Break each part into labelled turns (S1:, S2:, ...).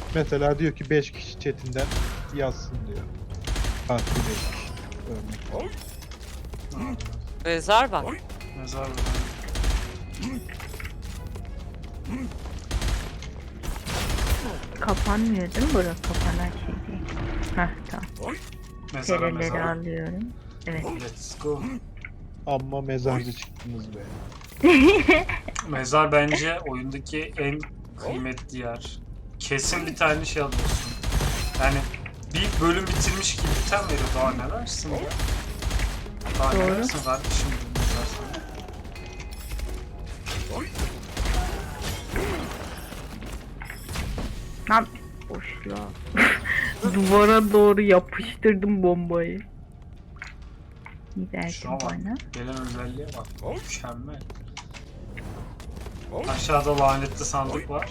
S1: Mesela diyor ki 5 kişi chatinden yazsın diyor. Farklı 5 kişi. Örnek.
S2: Mezar var.
S3: Mezar var.
S4: Kapanmıyor değil mi bura? Kapanan şey değil. Heh tamam.
S3: Mezara
S4: Tereleri
S3: mezara.
S4: alıyorum. Evet.
S3: Let's go.
S1: Amma mezarcı çıktınız be.
S3: Mezar bence oyundaki en kıymetli yer. Kesin bir tane şey alıyorsun. Yani bir bölüm bitirmiş gibi item veriyor. Daha ne dersin ya? Daha ne
S4: Doğru.
S3: dersin kardeşim? Bu mezar sana.
S4: Lan boşluğa. Duvara doğru yapıştırdım bombayı. Gidersin
S3: Şuna bak.
S4: bana.
S3: Gelen özelliğe bak. Mükemmel. Aşağıda lanetli sandık var.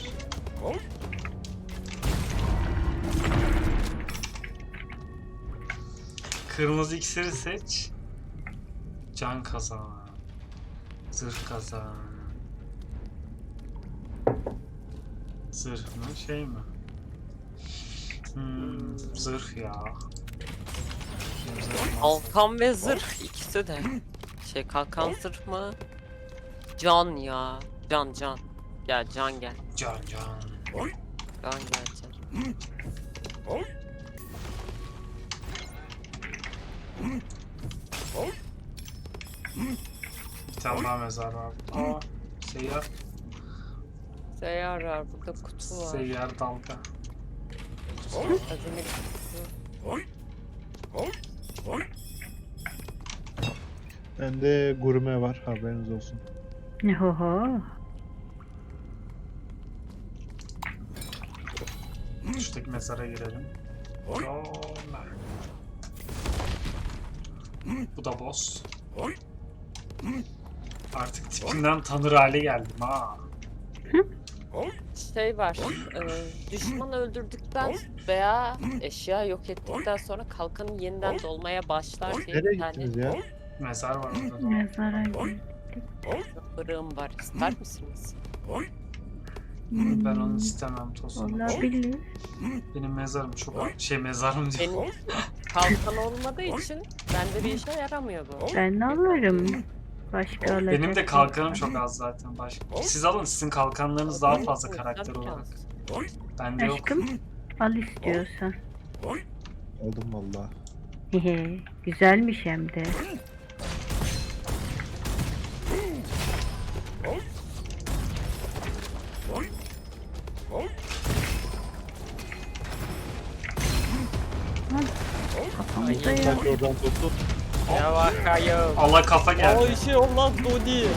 S3: Kırmızı iksiri seç. Can kazan. Zırh kazan. Zırh mı şey mi? Zırh ya.
S2: Kalkan ve zırh ikisi de. Kalkan zırh mı? Can ya. Can. Gel can gel.
S3: Can.
S2: Can gel can.
S3: Bir tane daha mezar var. Aa, seyyar.
S2: Seyyar var burada kutu var.
S3: Seyyar dalga.
S2: Hazine kutusu.
S1: Bende gurme var, haberiniz olsun.
S4: Oho.
S3: Şuradaki mezara girelim. Yolla. Bu da boss. Artık tipinden tanır hale geldim ha.
S2: Var. Düşman öldürdükten veya eşya yok ettikten sonra kalkanı yeniden dolmaya başlar diye
S1: Nereye
S2: bir tane
S1: gittiniz ya?
S3: Mezar var orada da.
S4: Mezara gir.
S2: fırığım var. İster misiniz?
S3: Ben onu istemem Tosun.
S4: Olabilir.
S3: Benim mezarım çok mezarım diyor.
S2: Benim kalkan olmadığı için bende bir işe yaramıyor bu.
S4: Ben alırım. Başka alacak.
S3: Benim de
S4: yok.
S3: kalkanım çok az zaten başka. Siz alın, sizin kalkanlarınız daha fazla karakter olarak. Bende yok.
S4: Aşkım al istiyorsan.
S1: Aldım valla.
S4: Hehe, güzelmiş hem de. Lan, kafamıza ya.
S1: Bak oradan tuttu.
S2: Ya bakayım.
S3: Allah kafa geldi.
S2: O işi olan Dodi.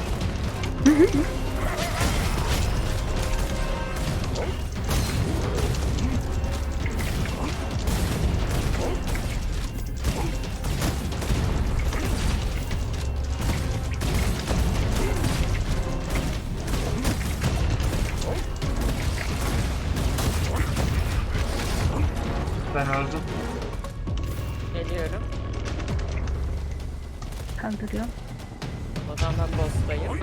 S3: Ben öldüm.
S2: Geliyorum.
S4: Kaldırıyorum.
S2: O zaman ben boss'tayım.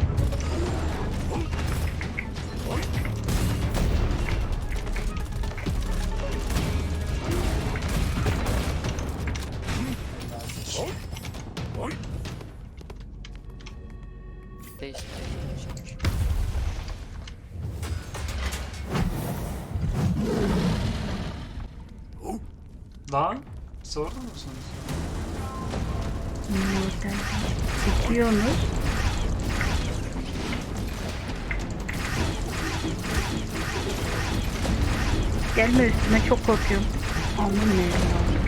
S2: Değiştireceğim.
S3: Lan sorun musunuz?
S4: Oradan çekiyorsunuz. Gelme üstüme, çok korkuyorum. Aman ne ya.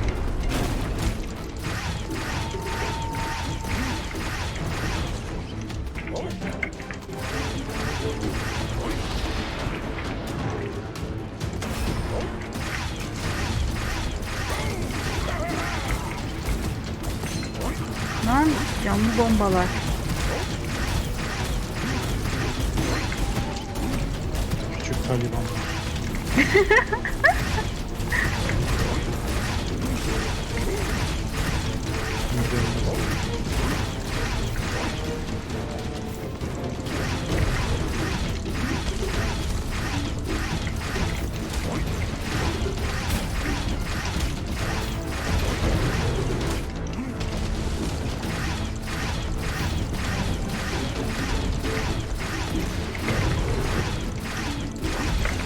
S4: Lan canlı bombalar.
S1: Küçük talibanlar.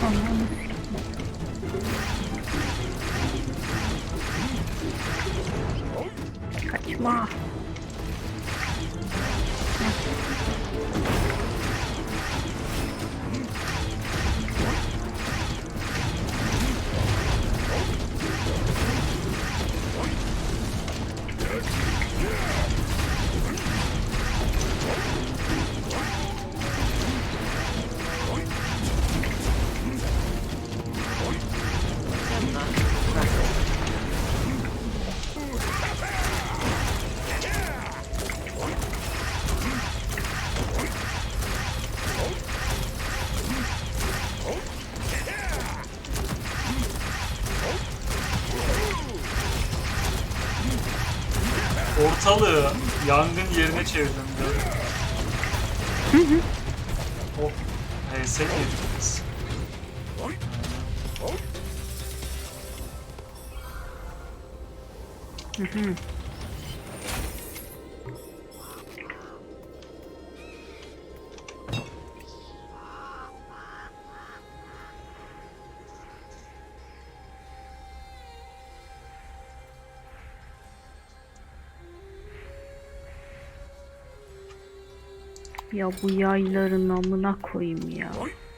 S4: Ananı sikeyim. Kaçma.
S3: Ortalığı yangın yerine çevirdim diyor. Oh, HS yediniz.
S4: Ya bu yayların amına koyayım ya.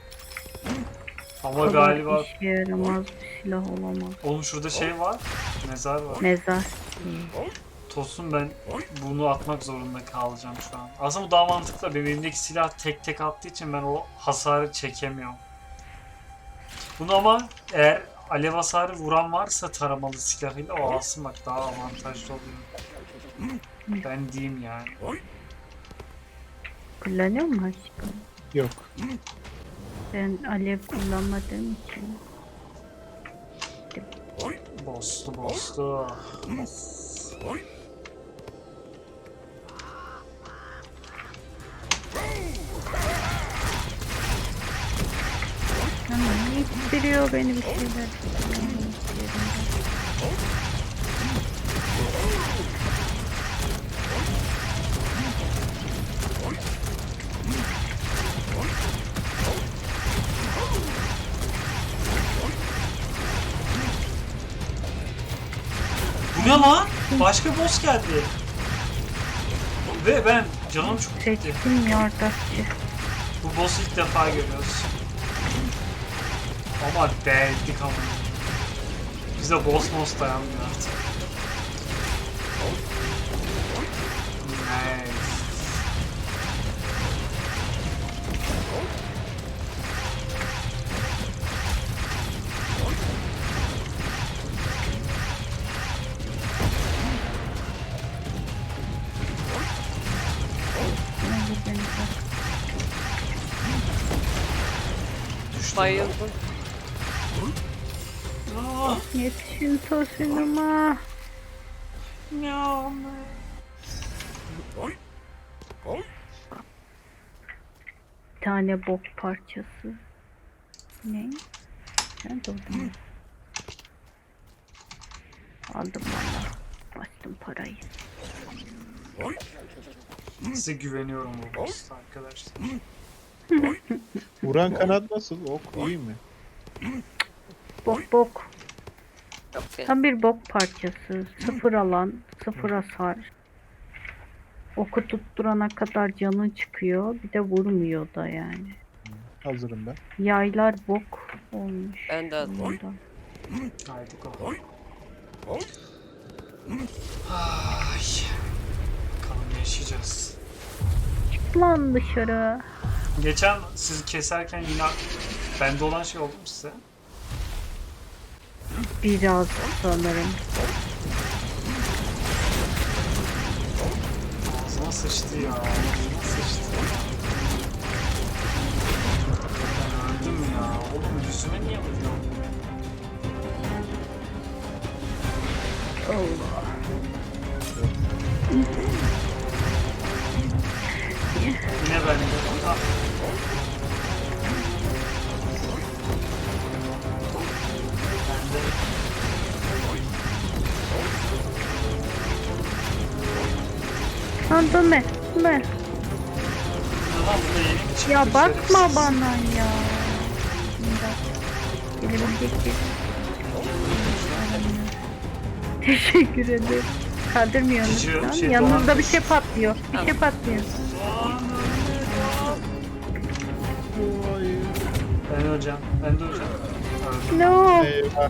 S3: Ama
S4: Kadar
S3: galiba
S4: işe yaramaz bir silah olamaz.
S3: oğlum şurada şey var. Mezar var.
S4: Mezar.
S3: Tosun ben bunu atmak zorunda kalacağım şu an. Aslında bu daha mantıklı. Benim elimdeki silah tek tek attığı için ben o hasarı çekemiyorum. Bunu ama eğer alev hasarı vuran varsa taramalı silahıyla o alsın bak daha avantajlı oluyor. Ben diyeyim yani.
S4: Kullanıyor mu aşkım?
S1: Yok.
S4: Ben alev kullanmadığım için.
S3: Bostu bostu.
S4: Ama ittiriyor beni bir şeyler.
S3: Bu ne lan? Başka boss geldi. Ve ben canım çok gitti.
S4: Seçtim yardakçı.
S3: Bu boss'u ilk defa görüyoruz. Ama deldik ama. Bize boss dayanmıyor artık. Nice. Düştüm.
S2: Bayıldım.
S3: Ah,
S4: Yetişin tosunuma.
S3: ya.
S4: Bir tane bok parçası. Ne? Sen doldun. Aldım valla. Bastım parayı.
S3: Size güveniyorum bu boss'ta arkadaşlar.
S1: Vuran kanat nasıl? Ok iyi mi?
S4: Bok bok.
S2: Yok ya.
S4: Tam bir bok parçası. Sıfır alan, sıfır hasar. Oku tutturana kadar canın çıkıyor. Bir de vurmuyor da yani.
S1: Hazırım ben.
S4: Yaylar bok olmuş.
S2: Ben de hazırım.
S4: Ondan.
S3: Haydi go. Ay. Bakalım yaşayacağız.
S4: Lan dışarı.
S3: Geçen sizi keserken yine bende olan şey oldu mu size?
S4: Biraz sanırım.
S3: Ağzıma sıçtı ya. Ağzıma sıçtı ya. Ben öldüm ya. Oğlum yüzüme niye vuruyor?
S4: Allah.
S3: Yine bende. Ah. Bende.
S4: Lan dönme. Dönme.
S3: Aha, bu da yeni bir çıkmış
S4: Ya bakma
S3: şerefsiz.
S4: bana ya. Bir dakika. Gelebilecek bir. Teşekkür ederim. Kaldırmıyorsunuz
S3: Cici,
S4: şu an.
S3: şey,
S4: Yanınızda
S3: dolan-
S4: bir şey patlıyor. Bir şey patlıyor.
S3: Ben öleceğim. Ben de öleceğim. Öldüm.
S4: No.
S1: Eyvah.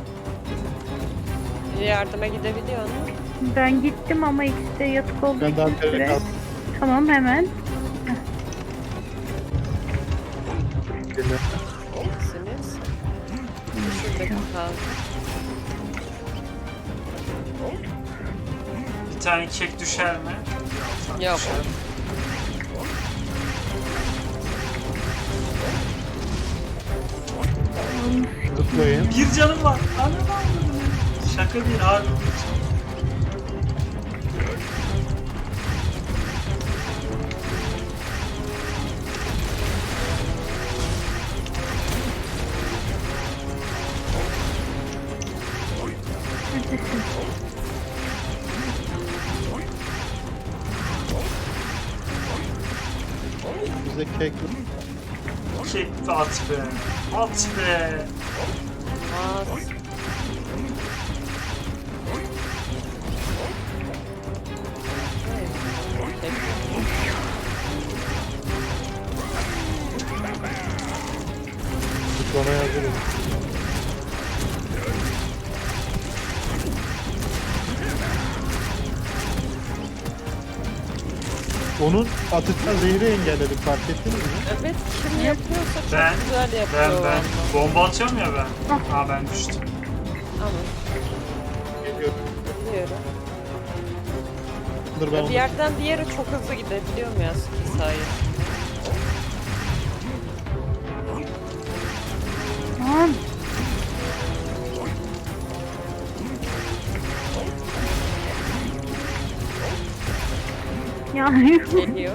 S2: Bir yardıma gidebiliyor musun?
S4: Ben gittim ama ikisi de yatık olduğu
S1: Ben daha
S4: için
S1: bir
S4: süre.
S1: kaldım.
S4: Tamam hemen.
S1: Geliyor.
S2: İkisiniz. Şuradaki kaldı.
S3: Bir tane kek düşer mi?
S2: Yok.
S3: Düşer.
S1: Zıplayın.
S3: Bir canım var. Anam. Şaka değil harbi.
S4: Neredesin?
S1: Bize kek
S3: Kek at be. At be.
S2: Aa,
S1: zıplamaya hazırım. Onun atıktan zehri engelledik, fark ettiniz mi?
S2: evet, kim yapıyorsa çok
S3: Ben-
S2: güzel yapıyor.
S3: Ben
S2: vallahi.
S3: bomba atıyorum ya ben. Ha ben düştüm.
S2: Ama
S1: Geliyor.
S2: biliyorum.
S1: Dur ben
S2: Bir
S1: onu
S2: yerden bir yere çok hızlı gidebiliyorum ya skill sayesinde.
S4: Tamam. Ya
S2: Geliyor.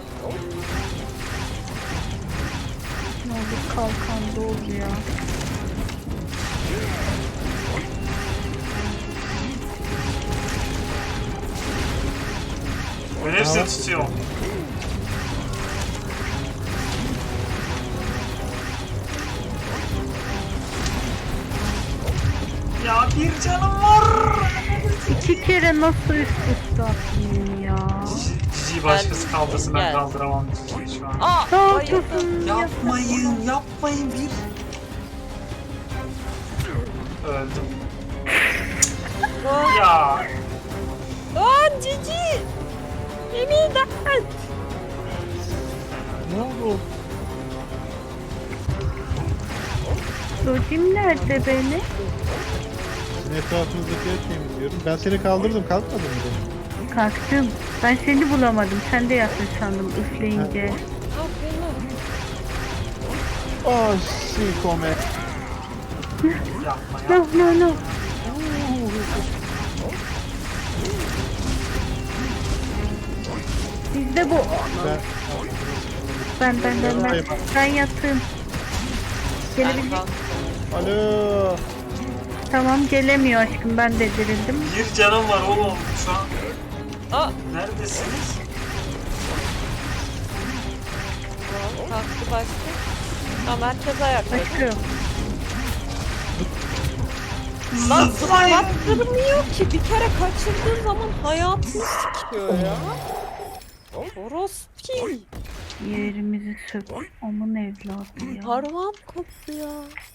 S4: ne olur kalkan doğru ya.
S3: Ben hepsini tutuyorum. Ya bir canım var.
S4: İki kere nasıl üst üste attın ya?
S3: Cici başkası kaldırsın ben
S2: Gel.
S3: kaldıramam Cici'yi şu an.
S2: Aa!
S4: Ne
S2: bayıldım.
S4: yapıyorsun?
S3: Yapmayın bir. Öldüm.
S2: Lan,
S3: Ya
S2: lan Cici! Emin et!
S1: ne oldu?
S4: Dodim nerede beni?
S1: Sizin etrafınızdakileri temizliyorum. Ben seni kaldırdım, kalkmadın mı benim?
S4: Kalktım. Ben seni bulamadım. Sen de yattın sandım üfleyince.
S2: Aferin.
S1: Oh, si come.
S3: yapma
S4: No
S3: ya.
S4: no no. Bizde bu.
S1: Ben...
S4: Ben yattım. Gelebilecek.
S1: Alo.
S4: Tamam gelemiyor aşkım. Ben de dirildim.
S3: Bir canım var oğlum şu an.
S2: Aa!
S3: Neredesiniz?
S2: Tamam, kalktı başka. Tamam, herkes ayakta.
S4: Başka yok.
S2: Lan
S3: Zıplayın.
S2: zıplattırmıyor ki. Bir kere kaçırdığın zaman hayatını sikiyor ya. Orospi.
S4: Yerimizi sök. Aman evladı ya.
S2: Parmağım koptu ya.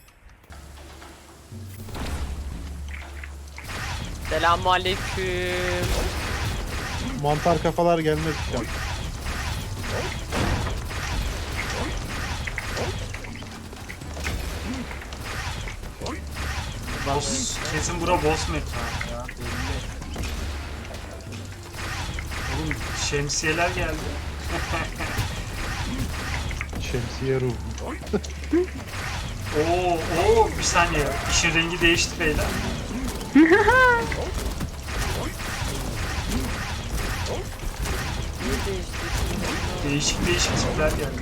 S2: Selamünaleyküm.
S1: Mantar kafalar gelmez şu an.
S3: Boss, kesin bura boss mekanı ya. Belli. Oğlum şemsiyeler geldi.
S1: Şemsiye ruhu.
S3: Oo, bir saniye. İşin rengi değişti beyler.
S2: İyi değişti.
S3: Değişik değişik tipler geldi.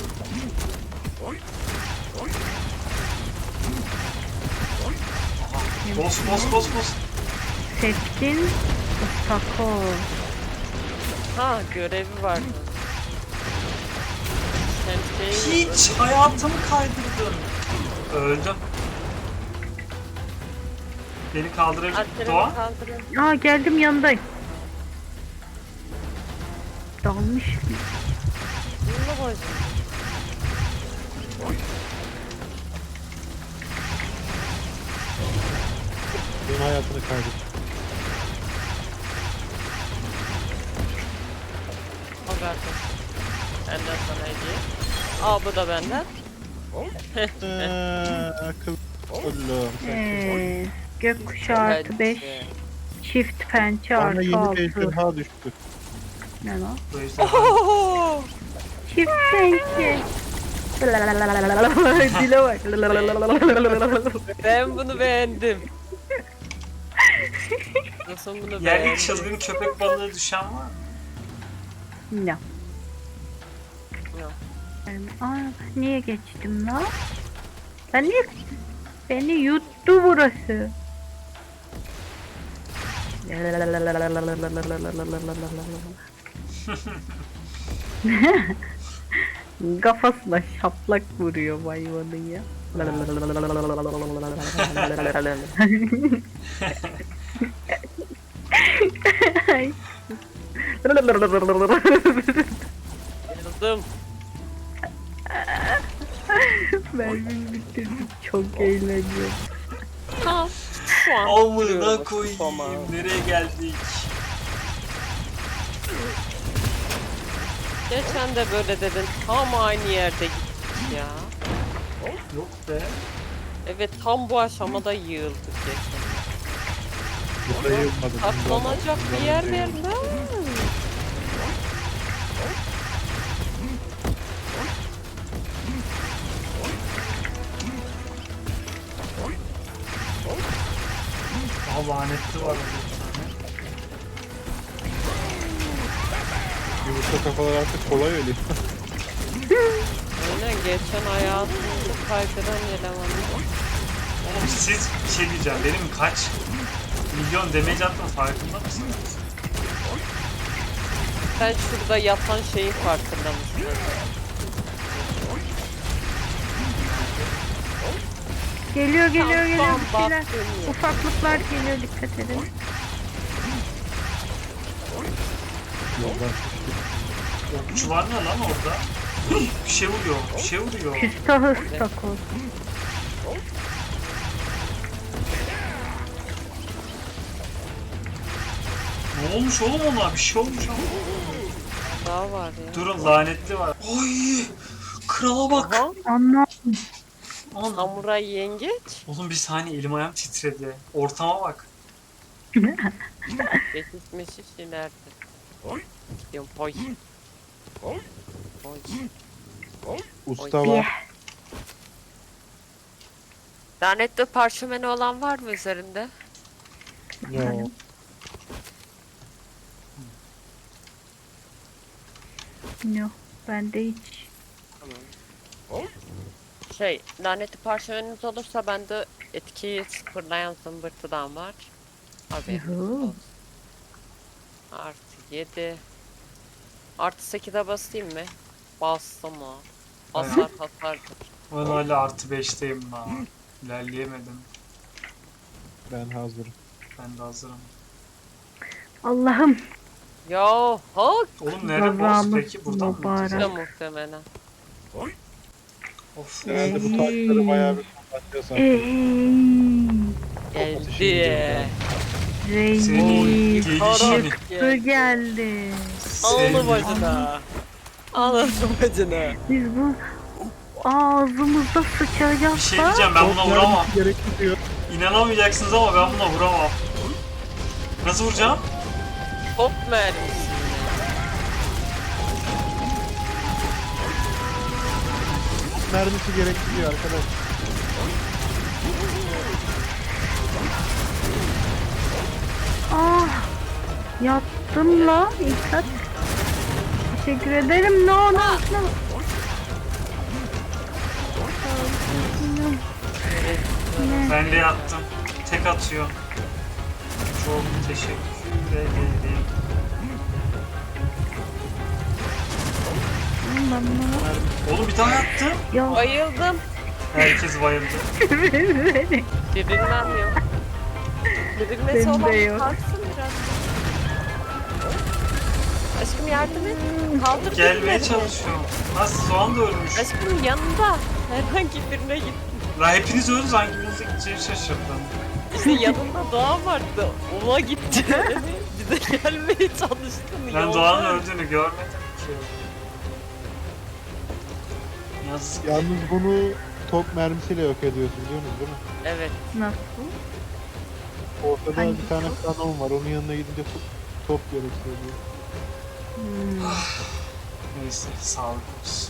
S3: Aha, boss.
S4: Seçkin ıstakoz.
S2: Ha, görevi var. Şemsiyeyi
S3: Hiç hayatımı kaydırdın. Öldüm. Beni kaldırabilir
S2: Arkadan
S3: Doğa.
S2: kaldırın.
S4: Aa geldim yanındayım. Dalmış.
S2: Bunu bozdum.
S1: Benim hayatını kaybettim.
S2: O kardeş. Benden sana hediye. Aa bu da benden.
S1: Akıl. Oğlum.
S4: Gökkuşağı artı 5. Çift pençe
S1: Bana
S4: artı
S1: yeni
S4: 6.
S1: bir ejderha düştü.
S4: Ne lan?
S3: Bu ejderha.
S2: Ohohoho!
S4: Çift pençe. Dile bak.
S2: Ben bunu beğendim. Nasıl bunu
S3: Yerde
S2: beğendim?
S3: çılgın köpek balığı düşen var mı?
S4: Ne?
S2: Yok.
S4: Aa, niye geçtim lan? Ben niye? Beni yuttu burası. Kafasına şaplak vuruyor hayvanın ya. Ay.
S2: Yazdım.
S4: Mermimi bitirdim. Çok eğleniyorum.
S2: Ha. Şu an
S3: Amına
S2: duruyorum
S3: koyayım.
S2: kafama.
S3: Nereye geldik?
S2: Geçen de böyle dedin. Tam aynı yerde gittik ya.
S3: Yok be.
S2: Evet tam bu aşamada yığıldık geçen.
S1: Bu sayılmadı.
S2: Katlanacak bir yer ver lan.
S3: Aha lanetli var orada bir tane.
S1: Yumurta kafalar artık kolay ölüyor.
S2: Aynen geçen hayatımızı kaydıran elemanlar.
S3: Oğlum siz bir şey diyeceğim. Benim kaç milyon damage attım farkında mısınız?
S2: Sen şurada yatan şeyin farkında mısın?
S4: Geliyor geliyor
S2: Tam
S4: geliyor bir şeyler.
S2: baktım ya.
S4: Ufaklıklar geliyor dikkat edin.
S1: Yoldan
S3: Okçular ne lan orada? Hıh, bir şey vuruyor. Bir şey vuruyor.
S4: Küstahı stakoz.
S3: Ne olmuş oğlum ona? Bir şey olmuş ama.
S2: Daha var ya.
S3: Durun lanetli var. Ay! Krala bak.
S2: Aha.
S4: Anlam.
S3: Aman.
S2: Samuray yengeç.
S3: Oğlum bir saniye elim ayağım titredi. Ortama bak.
S2: Geçiş meşiş ileride. Gidiyorum hoy. Hoy.
S1: usta
S4: Diye.
S1: var.
S2: Lanetli parşömeni olan var mı üzerinde?
S1: Yo.
S4: Yok. Bende hiç.
S2: Şey, lanetli parşömeniniz olursa bende etkiyi sıfırlayan zımbırtıdan var. Haberiniz
S4: Yuhu.
S2: olsun. Artı 7. Artı 8'e basayım mı? Bastım o. Hasar hasardır.
S3: Ben hala artı 5'teyim lan. İlerleyemedim.
S1: Ben hazırım.
S3: Ben de hazırım.
S4: Allah'ım.
S2: Yo hak
S3: Oğlum nerede boss
S4: Kazamız
S3: peki? Buradan mı
S4: mübarek.
S3: gideceğiz?
S2: da muhtemelen.
S3: Of.
S1: Herhalde bu taşları bayağı bir kullanacağız artık.
S2: Geldi.
S3: Senin
S4: Reis.
S3: gelişini.
S4: Çıktı geldi.
S2: Alın
S3: Senin-
S2: bacına. Alın bacına.
S4: Biz bu ağzımızda
S3: Bir
S4: sıçacağız
S3: şey
S4: da.
S3: diyeceğim ben buna vuramam.
S1: Gerekli diyor.
S3: İnanamayacaksınız ama ben buna vuramam. Nasıl vuracağım?
S2: Top mermisi.
S1: Mermisi gerekli diyor arkadaş.
S4: Ah. Yattım la. İlkat. Teşekkür ederim. No no no. Ne?
S3: Ben de yattım. Tek atıyor. Çok teşekkür ederim.
S4: Ben bunu...
S3: Oğlum bir tane attım.
S4: Ya
S2: Bayıldım.
S3: Herkes bayıldı.
S2: Dirilmem yok. Dirilmesi
S4: Benim
S2: olan
S4: de yok.
S2: kalksın biraz. Aşkım yardım et. Kaldır
S3: Gelmeye
S2: birilerini.
S3: çalışıyorum. Nasıl soğan da ölmüş.
S2: Aşkım yanında. Herhangi birine git.
S3: La hepiniz öldünüz, hangimize gideceğini şaşırdım.
S2: İşte yanında Doğa vardı. Ona gitti. Bize gelmeye çalıştın.
S3: Ben
S2: yolda.
S3: Doğan'ın öldüğünü görmedim ki. Yazık.
S1: Yalnız bunu top mermisiyle yok ediyorsun biliyorsunuz değil mi?
S2: Evet.
S4: Nasıl?
S1: Ortada
S4: Hangi
S1: bir tane
S4: top?
S1: kanon var. Onun yanına gidince top gerekiyor diyor.
S4: Hmm.
S3: Neyse, sağlık olsun.